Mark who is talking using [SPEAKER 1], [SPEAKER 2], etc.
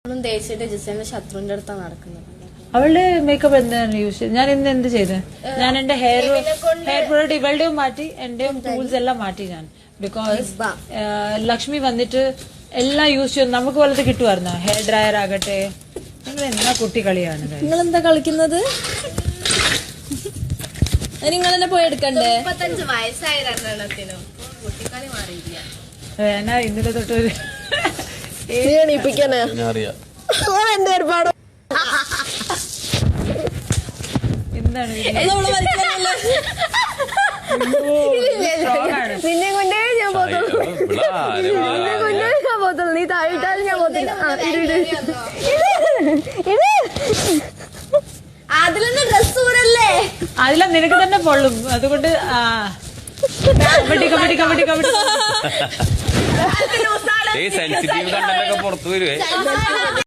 [SPEAKER 1] തേച്ചിട്ട് ജിസേന്റെ ശത്രുവിന്റെ അടുത്താണ് നടക്കുന്നത്.
[SPEAKER 2] അവളുടെ മേക്കപ്പ് എന്താണ് യൂസ് ചെയ്തത്? ഞാൻ ഇന്ന് എന്ത് ചെയ്ത്? ഞാൻ എന്റെ ഹെയർ പ്രൊഡക്റ്റ് ഇവളുടെയും മാറ്റി എന്റെയും ടൂൾസ് എല്ലാം മാറ്റി ഞാൻ. ബിക്കോസ് ലക്ഷ്മി വന്നിട്ട് എല്ലാം യൂസ് ചെയ്ത് നമുക്ക് വലത് കിട്ടുമായിരുന്നു. ഹെയർ ഡ്രയർ ആകട്ടെ. നിങ്ങൾ എന്നാ കുട്ടികളിയാണ്.
[SPEAKER 1] നിങ്ങൾ എന്താ കളിക്കുന്നത്? നിങ്ങൾ തന്നെ പോയി എടുക്കണ്ടേ? 35 വയസ്സായ രണ്ടെണ്ണത്തിനും കുട്ടിക്കളി മാറിയില്ല.
[SPEAKER 2] എന്നാ ഇന്നലെ തൊട്ടൊരു
[SPEAKER 1] എന്റെ ഒരുപാട്
[SPEAKER 2] എന്താണ്
[SPEAKER 3] നിന്നെ കൊണ്ടേ ഞാൻ പോത്തുള്ളൂ, നിന്നെ കൊണ്ടേ ഞാൻ പോത്തുള്ളൂ. നീ താഴെയിട്ടാലും ഞാൻ പോത്തില്ല.
[SPEAKER 1] അതിലൊന്നും ഡ്രസ് ഊരല്ലേ?
[SPEAKER 2] അതിലും നിനക്ക് തന്നെ പൊള്ളും. അതുകൊണ്ട് കബഡി കബഡി കബഡി കബഡി
[SPEAKER 4] സെൻസിറ്റീവ് കണ്ടന്റൊക്കെ പുറത്തു വരുവേ.